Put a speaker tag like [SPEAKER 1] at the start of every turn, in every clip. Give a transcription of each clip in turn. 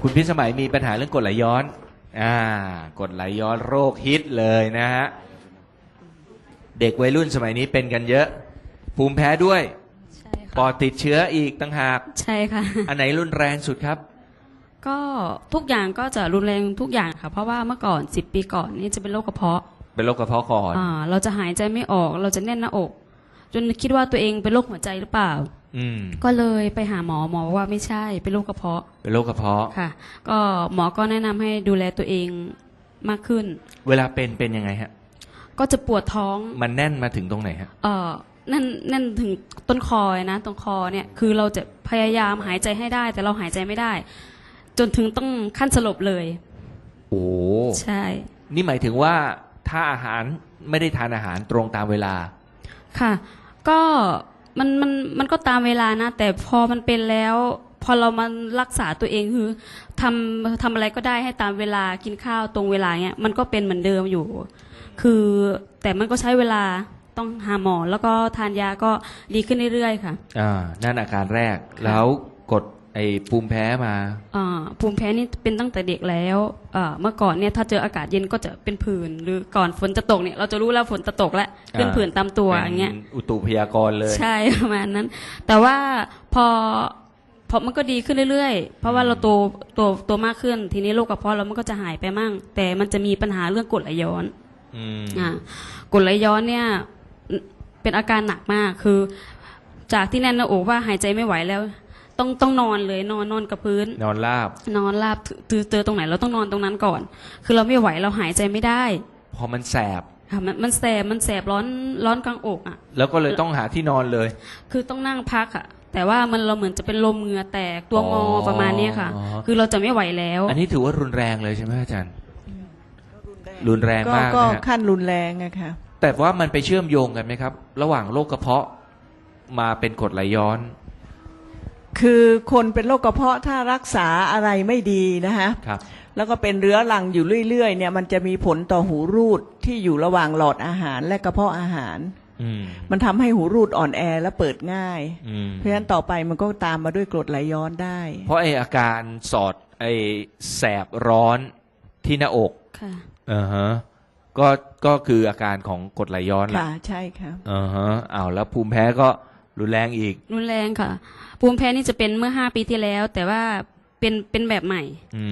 [SPEAKER 1] คุณพิสมัยมีปัญหาเรื่องกรดไหลย้อนกรดไหลย้อนโรคฮิตเลยนะฮะเด็กวัยรุ่นสมัยนี้เป็นกันเยอะภูมิแพ้ด้วย
[SPEAKER 2] ใช่
[SPEAKER 1] ปอ
[SPEAKER 2] ค่ะ
[SPEAKER 1] ดติดเชื้ออีกต่างหาก
[SPEAKER 2] ใช่ค่ะ
[SPEAKER 1] อันไหนรุนแรงสุดครับ
[SPEAKER 2] ก็ทุกอย่างก็จะรุนแรงทุกอย่างค่ะ เพราะว่าเมื่อก่อน10 ปีก่อนนี่จะเป็นโรคกระเพาะ
[SPEAKER 1] เป็นโรคกระเพาะก่อน
[SPEAKER 2] เราจะหายใจไม่ออกเราจะแน่นหน้าอก จนคิดว่าตัวเองเป็นโรคหัวใจหรือเปล่าก็เลยไปหาหมอบอกว่าไม่ใช่เป็นโรคกระเพาะ
[SPEAKER 1] เป็นโรคกระเพาะ
[SPEAKER 2] ค่ะก็หมอก็แนะนำให้ดูแลตัวเองมากขึ้น
[SPEAKER 1] เวลาเป็นยังไงฮะ
[SPEAKER 2] ก็จะปวดท้อง
[SPEAKER 1] มันแน่นมาถึงตรงไหนฮะ
[SPEAKER 2] นั่นถึงต้นคอนะตรงคอเนี่ยคือเราจะพยายามหายใจให้ได้แต่เราหายใจไม่ได้จนถึงต้องขั้นสลบเลย
[SPEAKER 1] โอ้
[SPEAKER 2] ใช่
[SPEAKER 1] นี่หมายถึงว่าถ้าอาหารไม่ได้ทานอาหารตรงตามเวลา
[SPEAKER 2] ค่ะก็มันก็ตามเวลานะแต่พอมันเป็นแล้วพอเรามารักษาตัวเองคือทำอะไรก็ได้ให้ตามเวลากินข้าวตรงเวลาเนี้ยมันก็เป็นเหมือนเดิมอยู่คือแต่มันก็ใช้เวลาต้องหาหมอแล้วก็ทานยาก็ดีขึ้นเรื่อยๆค่ะ
[SPEAKER 1] นั่นอาการแรกแล้วกดไอ้ภูมิแพ้มา
[SPEAKER 2] ภูมิแพ้นี่เป็นตั้งแต่เด็กแล้วเมื่อก่อนเนี่ยถ้าเจออากาศเย็นก็จะเป็นผื่นหรือก่อนฝนจะตกเนี่ยเราจะรู้แล้วฝนจะตกแล้วเป็นผื่นตามตัวอย่างเงี้ย
[SPEAKER 1] อุตุพยากรณ์เลย
[SPEAKER 2] ใช่ประมาณนั้นแต่ว่าพอมันก็ดีขึ้นเรื่อยๆเพราะว่าเราโตมากขึ้นทีนี้โรคกระเพาะเรามันก็จะหายไปมั่งแต่มันจะมีปัญหาเรื่องกรดไหลย้อนกรดไหลย้อนเนี่ยเป็นอาการหนักมากคือจากที่แน่นหน้าอกว่าหายใจไม่ไหวแล้วต้องนอนเลยนอนกับพื้น
[SPEAKER 1] นอนราบ
[SPEAKER 2] เจอตรงไหนเราต้องนอนตรงนั้นก่อนคือเราไม่ไหวเราหายใจไม่ได้
[SPEAKER 1] พอมันแสบ
[SPEAKER 2] ค่ะมันแสบร้อนกลางอก
[SPEAKER 1] แล้วก็เลยต้องหาที่นอนเลย
[SPEAKER 2] คือต้องนั่งพักแต่ว่าเราเหมือนจะเป็นลมเหงื่อแตกตัวงอประมาณนี้ค่ะคือเราจะไม่ไหวแล้ว
[SPEAKER 1] อันนี้ถือว่ารุนแรงเลยใช่ไหมอาจารย์รุนแรงมาก
[SPEAKER 3] ก็ขั้นรุนแรงอะค่ะ
[SPEAKER 1] แต่ว่ามันไปเชื่อมโยงกันไหมครับระหว่างโรคกระเพาะมาเป็นกรดไหลย้อน
[SPEAKER 3] คือคนเป็นโรคกระเพาะถ้ารักษาอะไรไม่ดีนะฮะแล้วก็เป็นเรื้อรังอยู่เรื่อยๆเนี่ยมันจะมีผลต่อหูรูดที่อยู่ระหว่างหลอดอาหารและกระเพาะอาหารมันทำให้หูรูดอ่อนแอและเปิดง่ายเพราะฉะนั้นต่อไปมันก็ตามมาด้วยกรดไหลย้อนได้
[SPEAKER 1] เพราะไออาการสอดไอแสบร้อนที่หน้าอก
[SPEAKER 2] ค่ะ
[SPEAKER 1] ก็คืออาการของกรดไหลย้อนแหละ
[SPEAKER 3] ค่ะใช่ค่ะ
[SPEAKER 1] แล้วภูมิแพ้ก็รุนแรงอีก
[SPEAKER 2] รุนแรงค่ะภูมิแพ้นี่จะเป็นเมื่อ5 ปีที่แล้วแต่ว่าเป็นแบบใหม่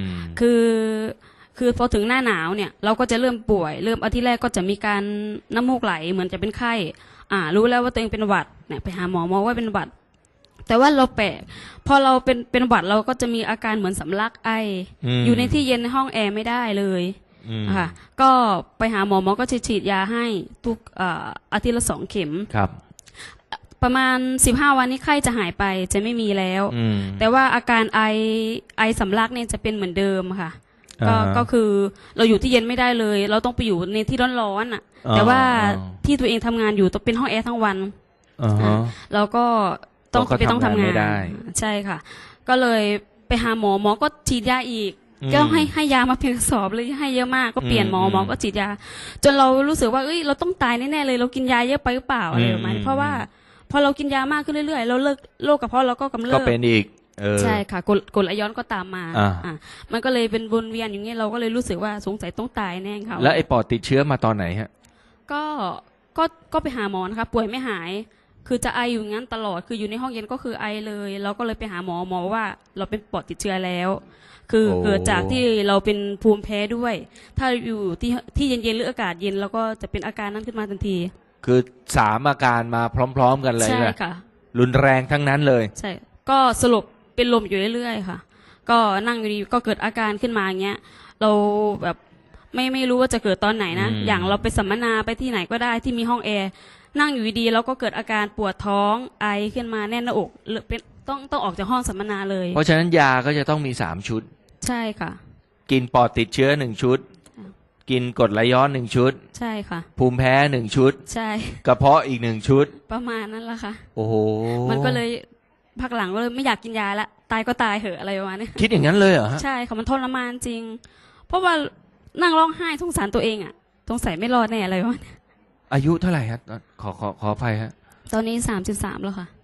[SPEAKER 2] คือพอถึงหน้าหนาวเนี่ยเราก็จะเริ่มป่วยอาทิตย์แรกก็จะมีการน้ำมูกไหลเหมือนจะเป็นไข้รู้แล้วว่าตัวเองเป็นหวัดเนี่ยไปหาหมอว่าเป็นหวัดแต่ว่าเราแปลกพอเราเป็นหวัดเราก็จะมีอาการเหมือนสำลักไออยู่ในที่เย็นในห้องแอร์ไม่ได้เลยค่ะก็ไปหาหมอก็ฉีดยาให้ทุกอาทิตย์ละ2 เข็ม
[SPEAKER 1] ครับ
[SPEAKER 2] ประมาณ15 วันนี้ไข้จะหายไปจะไม่มีแล้วแต่ว่าอาการไอสำลักเนี่ยจะเป็นเหมือนเดิมค่ะก็คือเราอยู่ที่เย็นไม่ได้เลยเราต้องไปอยู่ในที่ร้อนแต่ว่าที่ตัวเองทำงานอยู่ต้องเป็นห้องแอร์ทั้งวันเราก็ต้องทำงานใช่ค่ะก็เลยไปหาหมอก็ฉีดยาอีกก็ให้ยามาเพียงกระสอบเลยให้เยอะมากก็เปลี่ยนหมอก็ฉีดยาจนเรารู้สึกว่าเราต้องตายแน่ๆเลยเรากินยาเยอะไปหรือเปล่าอะไรประมาณนี้เพราะว่าพอเรากินยามากขึ้นเรื่อยๆเราเลิกโรคกระเพาะเราก็กำเริบ
[SPEAKER 1] ก็เป็นอีก
[SPEAKER 2] ใช่ค่ะกรดไหลย้อนก็ตามมามันก็เลยเป็นวนเวียนอย่างนี้เราก็เลยรู้สึกว่าสงสัยต้องตายแน่ค่ะ
[SPEAKER 1] แล้วไอ้ปอดติดเชื้อมาตอนไหนฮะ
[SPEAKER 2] ก็ไปหาหมอนะคะป่วยไม่หายคือจะไออยู่งั้นตลอดคืออยู่ในห้องเย็นก็คือไอเลยเราก็เลยไปหาหมอว่าเราเป็นปอดติดเชื้อแล้วคือเกิดจากที่เราเป็นภูมิแพ้ด้วยถ้าอยู่ที่เย็นๆหรืออากาศเย็นเราก็จะเป็นอาการนั้นขึ้นมาทันที
[SPEAKER 1] คือ3 อาการมาพร้อมๆกันเลย
[SPEAKER 2] ใช่ค่ะ
[SPEAKER 1] รุนแรงทั้งนั้นเลย
[SPEAKER 2] ใช่ก็สลบเป็นลมอยู่เรื่อยๆค่ะก็นั่งอยู่ดีก็เกิดอาการขึ้นมาอย่างเงี้ยเราแบบไม่รู้ว่าจะเกิดตอนไหนนะอย่างเราไปสัมมนาไปที่ไหนก็ได้ที่มีห้องแอร์นั่งอยู่ดีแล้วก็เกิดอาการปวดท้องไอขึ้นมาแน่นหน้าอกเป็นต้องออกจากห้องสัมมนาเลย
[SPEAKER 1] เพราะฉะนั้นยาก็จะต้องมี3 ชุด
[SPEAKER 2] ใช่ค่ะ
[SPEAKER 1] กินปอดติดเชื้อ1 ชุดกินกรดไหลย้อน1 ชุด
[SPEAKER 2] ใช่ค่ะ
[SPEAKER 1] ภูมิแพ้1 ชุด
[SPEAKER 2] ใช่
[SPEAKER 1] กระเพาะอีก1 ชุด
[SPEAKER 2] ประมาณนั้นละค่ะ
[SPEAKER 1] โอ้โห
[SPEAKER 2] มันก็เลยพักหลังก็เลยไม่อยากกินยาละตายก็ตายเหอะอะไรประมาณนี้
[SPEAKER 1] คิดอย่างนั้นเลยเหรอฮะ
[SPEAKER 2] ใช่ค่ะมันทรมานจริงเพราะว่านั่งร้องไห้สงสารตัวเองสงสัยไม่รอดแน่อะไรวะ
[SPEAKER 1] อายุเท่าไหร่ครับขออภัยฮะ
[SPEAKER 2] ตอนนี้33แล้วค่ะ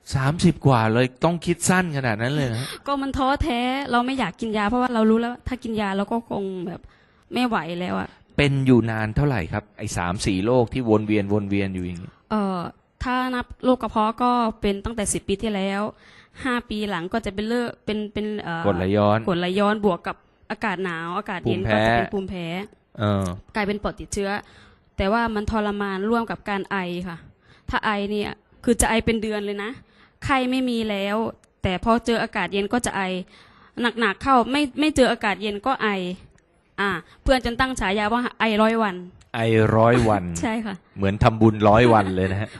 [SPEAKER 1] 30 กว่าเลยต้องคิดสั้นขนาดนั้นเลยนะ
[SPEAKER 2] ก็มันท้อแท้เราไม่อยากกินยาเพราะว่าเรารู้แล้วถ้ากินยาเราก็คงแบบไม่ไหวแล้วอะ
[SPEAKER 1] เป็นอยู่นานเท่าไหร่ครับไอ้3-4โรคที่วนเวียนอยู่อย่างนี้
[SPEAKER 2] ถ้านับโรคกระเพาะก็เป็นตั้งแต่10 ปีที่แล้ว5 ปีหลังก็จะเป็นเป็น
[SPEAKER 1] กรดไหลย้อน
[SPEAKER 2] กรดไหลย้อนบวกกับอากาศหนาวอากาศเย็นก็จะเป็นภูมิแพ้กลายเป็นปอดติดเชื้อแต่ว่ามันทรมานร่วมกับการไอค่ะถ้าไอเนี่ยคือจะไอเป็นเดือนเลยนะไข้ไม่มีแล้วแต่พอเจออากาศเย็นก็จะไอหนักๆเข้าไม่เจออากาศเย็นก็ไอเพื่อนจนตั้งฉายาว่าไอ100 วัน
[SPEAKER 1] ไอ100 วัน
[SPEAKER 2] ใช่ค่ะ
[SPEAKER 1] เหมือนทำบุญ100 วันเลยนะฮะ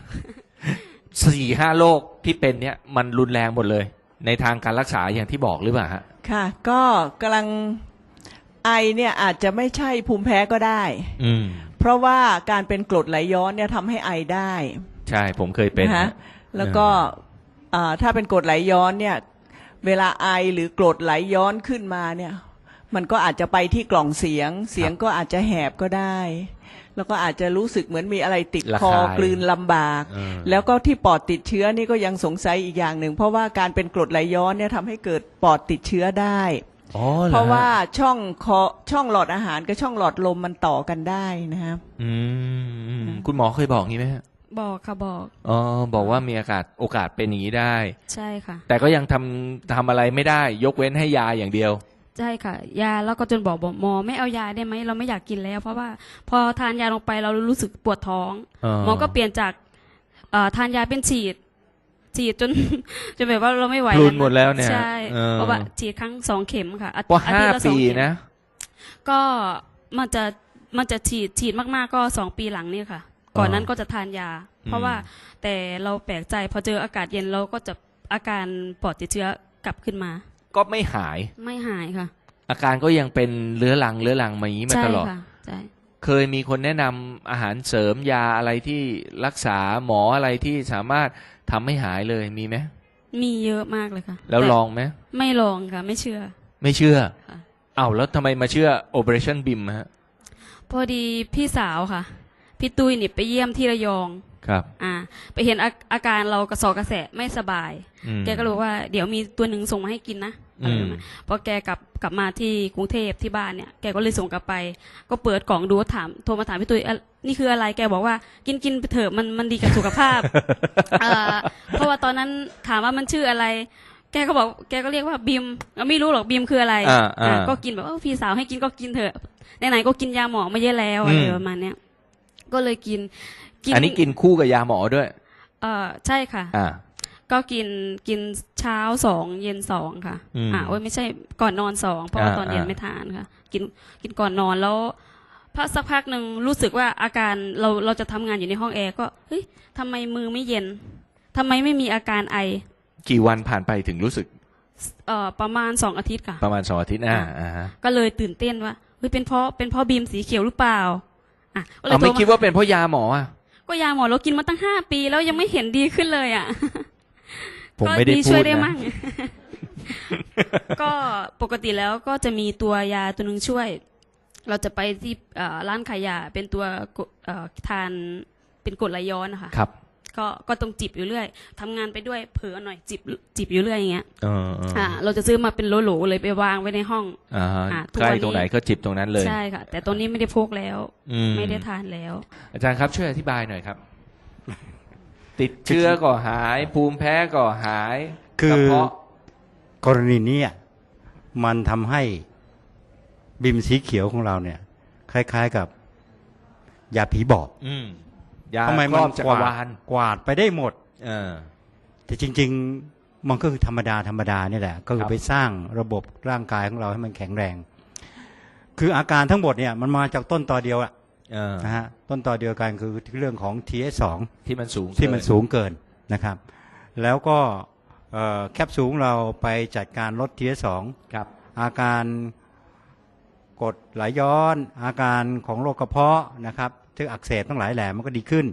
[SPEAKER 1] 4-5 โรคที่เป็นเนี่ยมันรุนแรงหมดเลยในทางการรักษาอย่างที่บอกหรือเปล่าฮะ
[SPEAKER 3] ค่ะก็กำลังไอเนี่ยอาจจะไม่ใช่ภูมิแพ้ก็ได้เพราะว่าการเป็นกรดไหลย้อนเนี่ยทำให้ไอได้
[SPEAKER 1] ใช่ผมเคยเป็น
[SPEAKER 3] นะแล้วก็ถ้าเป็นกรดไหลย้อนเนี่ยเวลาไอหรือกรดไหลย้อนขึ้นมาเนี่ยมันก็อาจจะไปที่กล่องเสียงก็อาจจะแหบก็ได้แล้วก็อาจจะรู้สึกเหมือนมีอะไรติดคอกลืนลำบากแล้วก็ที่ปอดติดเชื้อนี่ก็ยังสงสัยอีกอย่างหนึ่งเพราะว่าการเป็นกรดไหลย้อนเนี่ยทำให้เกิดปอดติดเชื้อได้เพราะว่าช่องหลอดอาหารกับช่องหลอดลมมันต่อกันได้นะครับ
[SPEAKER 1] คุณหมอเคยบอกงี้ไหม
[SPEAKER 2] บอกค่ะบอก
[SPEAKER 1] บอกว่ามีโอกาสเป็นอย่างนี้ได้
[SPEAKER 2] ใช่ค่ะ
[SPEAKER 1] แต่ก็ยังทำอะไรไม่ได้ยกเว้นให้ยาอย่างเดียว
[SPEAKER 2] ใช่ค่ะยาแล้วก็จนบอกหมอไม่เอายาได้ไหมเราไม่อยากกินแล้วเพราะว่าพอทานยาลงไปเรารู้สึกปวดท้องหมอก็เปลี่ยนจากทานยาเป็นฉีดจนแบบว่าเราไม่ไหว
[SPEAKER 1] พลุนหมดแล้วเนี่ย
[SPEAKER 2] ใช่เพราะว่าฉีดครั้ง2 เข็มค่ะ
[SPEAKER 1] ว่า5 ปีนะ
[SPEAKER 2] ก็มันจะฉีดมากๆก็2 ปีหลังนี่ค่ะก่อนนั้นก็จะทานยาเพราะว่าแต่เราแปลกใจพอเจออากาศเย็นเราก็จะอาการปอดติดเชื้อกลับขึ้นมา
[SPEAKER 1] ก็ไม่หาย
[SPEAKER 2] ค่ะ
[SPEAKER 1] อาการก็ยังเป็นเรื้อรังมาอย่างนี้มาตลอด
[SPEAKER 2] ใช่
[SPEAKER 1] เคยมีคนแนะนำอาหารเสริมยาอะไรที่รักษาหมออะไรที่สามารถทำให้หายเลยมีไหม
[SPEAKER 2] มีเยอะมากเลยค่ะ
[SPEAKER 1] แล้วลองไหม
[SPEAKER 2] ไม่ลองค่ะไม่เชื่อ
[SPEAKER 1] แล้วทำไมมาเชื่อ Operation BIM ฮะ
[SPEAKER 2] พอดีพี่สาวค่ะพี่ตุ้ยนี่ไปเยี่ยมที่ระยอง
[SPEAKER 1] ครับ
[SPEAKER 2] ไปเห็นอาการเรากระสอบกระแสะไม่สบายแกก็รู้ว่าเดี๋ยวมีตัวหนึ่งส่งมาให้กินนะพอแกกลับมาที่กรุงเทพที่บ้านเนี่ยแกก็เลยส่งกลับไปก็เปิดกล่องดูโทรมาถามพี่ตุ้ยนี่คืออะไรแกบอกว่ากินไปเถอะมันดีกับสุขภาพ เพราะว่าตอนนั้นถามว่ามันชื่ออะไรแกก็เรียกว่าบิมไม่รู้หรอกบิมคืออะไรก็กินแบบพี่สาวให้กินก็กินเถอะไหนๆก็กินยาหมอไม่เยอะแล้วอะไรประมาณเนี้ยก็เลยกิน
[SPEAKER 1] อันนี้กินคู่กับยาหมอด้วย
[SPEAKER 2] ใช่ค่ะก็กินเช้า2เย็น2ค่ะไม่ใช่ก่อนนอน2เพราะว่าตอนเย็นไม่ทานค่ะกินก่อนนอนแล้วสักพักหนึ่งรู้สึกว่าอาการเราจะทำงานอยู่ในห้องแอร์ก็เฮ้ยทำไมมือไม่เย็นทำไมไม่มีอาการไอ
[SPEAKER 1] กี่วันผ่านไปถึงรู้สึก
[SPEAKER 2] ประมาณ2 อาทิตย์ค่ะ
[SPEAKER 1] ประมาณ2 อาทิตย์
[SPEAKER 2] ก็เลยตื่นเต้นว่าเฮ้ยเป็นเพราะบีมสีเขียวหรือเปล่า
[SPEAKER 1] ไม่คิดว่าเป็นเพราะยาหมอ
[SPEAKER 2] ก็ยาหมอเรากินมาตั้ง5 ปีแล้วยังไม่เห็นดีขึ้นเลย
[SPEAKER 1] ผมไม่ได้พูดนะ
[SPEAKER 2] ช่วยได้มั่ง ก็ปกติแล้วก็จะมีตัวยาตัวนึงช่วยเราจะไปที่ร้านขายยาเป็นตัวทานเป็นกรดไหลย้อนนะคะ
[SPEAKER 1] ครับ
[SPEAKER 2] ก็ต้องจิบอยู่เรื่อยทำงานไปด้วยเผลอหน่อยจิบอยู่เรื่อยอย่างเงี้ยเราจะซื้อมาเป็นโหลๆเลยไปวางไว้ในห้อง
[SPEAKER 1] ใกล้ตรงไหนก็จิบตรงนั้นเลย
[SPEAKER 2] ใช่ค่ะแต่ตอนนี้ไม่ได้พกแล้วไม่ได้ทานแล้ว
[SPEAKER 1] อาจารย์ครับช่วยอธิบายหน่อยครับติดเชื้อก็หายภูมิแพ้ก็หาย
[SPEAKER 4] คือกรณีนี้มันทำให้บิมสีเขียวของเราเนี่ยคล้ายๆกับยาผีบอกทำไมมันกวาดไปได้หมดแต่จริงๆมันก็คือธรรมดานี่แหละก็คือไปสร้างระบบร่างกายของเราให้มันแข็งแรงคืออาการทั้งหมดเนี่ยมันมาจากต้นตอเดียวนะฮะต้นตอเดียวกันคือเรื่องของ TH2
[SPEAKER 1] ที่มัน
[SPEAKER 4] สูงเกินนะครับแล้วก็แคปซูลเราไปจัดการลด TH2
[SPEAKER 1] ครับ
[SPEAKER 4] อาการกรดไหลย้อนอาการของโรคกระเพาะนะครับที่อักเสบทั้งหลายแหล่มันก็ดีขึ้น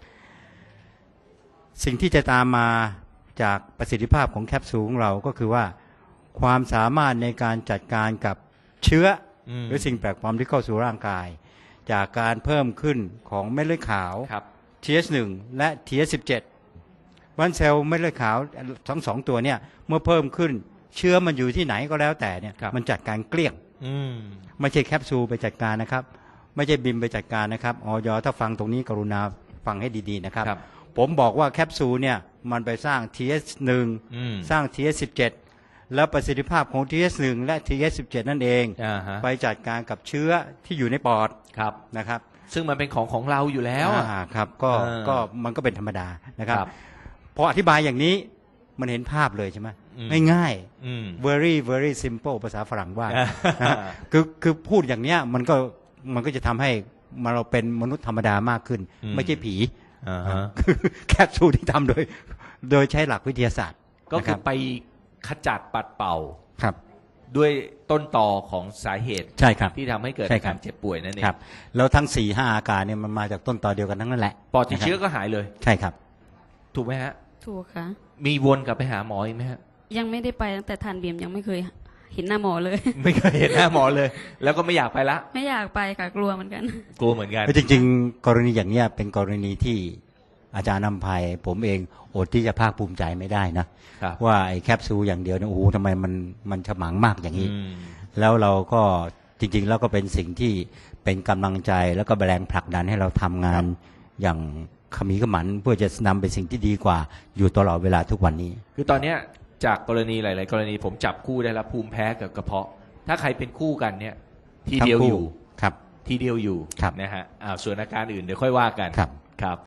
[SPEAKER 4] สิ่งที่จะตามมาจากประสิทธิภาพของแคปซูลของเราก็คือว่าความสามารถในการจัดการกับเชื้อหรือสิ่งแปลกปลอมที่เข้าสู่ร่างกายจากการเพิ่มขึ้นของเม็ดเลือดขาว TH1 และ TH17 วันเซลล์เม็ดเลือดขาวทั้งสองตัวเนี่ยเมื่อเพิ่มขึ้นเชื้อมันอยู่ที่ไหนก็แล้วแต่เนี่ย
[SPEAKER 1] ครับ
[SPEAKER 4] มันจัดการเกลี้ยง
[SPEAKER 1] อืม
[SPEAKER 4] ไม่ใช่แคปซูลไปจัดการนะครับ ไม่ใช่บิมไปจัดการนะครับออยถ้าฟังตรงนี้กรุณาฟังให้ดีๆนะครับ
[SPEAKER 1] ครับ
[SPEAKER 4] ผมบอกว่าแคปซูลเนี่ยมันไปสร้าง TH1
[SPEAKER 1] อืม
[SPEAKER 4] สร้าง TH17 แล้วประสิทธิภาพของ TH1 และ TH17 นั่นเอง
[SPEAKER 1] อ่าฮะ
[SPEAKER 4] ไปจัดการกับเชื้อที่อยู่ในปอด
[SPEAKER 1] ครับ
[SPEAKER 4] นะครับ
[SPEAKER 1] ซึ่งมันเป็นของเราอยู่แล้วอะ
[SPEAKER 4] ครับก็มันก็เป็นธรรมดานะครับ
[SPEAKER 1] ครับ
[SPEAKER 4] พออธิบายอย่างนี้มันเห็นภาพเลยใช่ไหม
[SPEAKER 1] อืม
[SPEAKER 4] ง่าย
[SPEAKER 1] อืม
[SPEAKER 4] very very simple ภาษาฝรั่งว่า
[SPEAKER 1] อ่า
[SPEAKER 4] นะฮะคือพูดอย่างเนี้ยมันก็จะทำให้เราเป็นมนุษย์ธรรมดามากขึ้น ไม่ใช่ผี
[SPEAKER 1] อ่าฮะ
[SPEAKER 4] คือแคปซูลที่ทำโดยใช้หลักวิทยาศาสตร์
[SPEAKER 1] ก็คือ
[SPEAKER 4] นะ
[SPEAKER 1] ไปขจัดปัดเป่า
[SPEAKER 4] ครับ
[SPEAKER 1] ด้วยต้นตอของสาเหตุ
[SPEAKER 4] ใช่ครับ
[SPEAKER 1] ที่ทำให้เกิด
[SPEAKER 4] ใช่
[SPEAKER 1] อา
[SPEAKER 4] ครั
[SPEAKER 1] กา
[SPEAKER 4] บ
[SPEAKER 1] รเจ็บป่วยนั่นเอง
[SPEAKER 4] ครับแล้วทั้ง 4-5 อาการเนี่ยมันมาจากต้นตอเดียวกันทั้งนั้นแหละ
[SPEAKER 1] ปอดติดเชื้อ
[SPEAKER 4] นะครับ
[SPEAKER 1] ก็หายเลย
[SPEAKER 4] ใช่ครับ
[SPEAKER 1] ถูกไหมฮะ
[SPEAKER 2] ถูกค่ะ
[SPEAKER 1] มีวนกลับไปหาหมออีกไหมฮะ
[SPEAKER 2] ยังไม่ได้ไปตั้งแต่ทานเบียมยังไม่เคยเห็นหน้าหมอเลย
[SPEAKER 1] ไม่เคยเห็นหน้าหมอเลย แล้วก็ไม่อยากไปละ
[SPEAKER 2] ไม่อยากไปค่ะกลัวเหมือนกัน
[SPEAKER 1] กลัวเหมือนกัน
[SPEAKER 4] จริงๆ กรณีอย่างเนี้ยเป็นกรณีที่อาจารย์นำภัยผมเองอดที่จะภาคภูมิใจไม่ได้นะครับ ว่าไอ้แคปซูลอย่างเดียวเนี่ยโอ้โหทำไมมันฉมังมากอย่างนี้
[SPEAKER 1] อืม
[SPEAKER 4] แล้วเราก็จริงๆ แล้วก็เป็นสิ่งที่เป็นกำลังใจแล้วก็แรงผลักดันให้เราทำงานอย่างขมีขมันเพื่อจะนำไปสิ่งที่ดีกว่าอยู่ตลอดเวลาทุกวันนี้
[SPEAKER 1] คือตอนเนี้ยจากกรณีหลาย ๆ กรณีผมจับคู่ได้แล้วภูมิแพ้กับกระเพาะ ถ้าใครเป็นคู่กันเนี่ย ทีเดียว
[SPEAKER 4] ทั้งคู่
[SPEAKER 1] อยู่
[SPEAKER 4] ครับ
[SPEAKER 1] ทีเดียวอยู่
[SPEAKER 4] ครับ
[SPEAKER 1] นะฮะส่วนอาการอื่นเดี๋ยวค่อยว่ากัน
[SPEAKER 4] ครับ
[SPEAKER 1] ครับ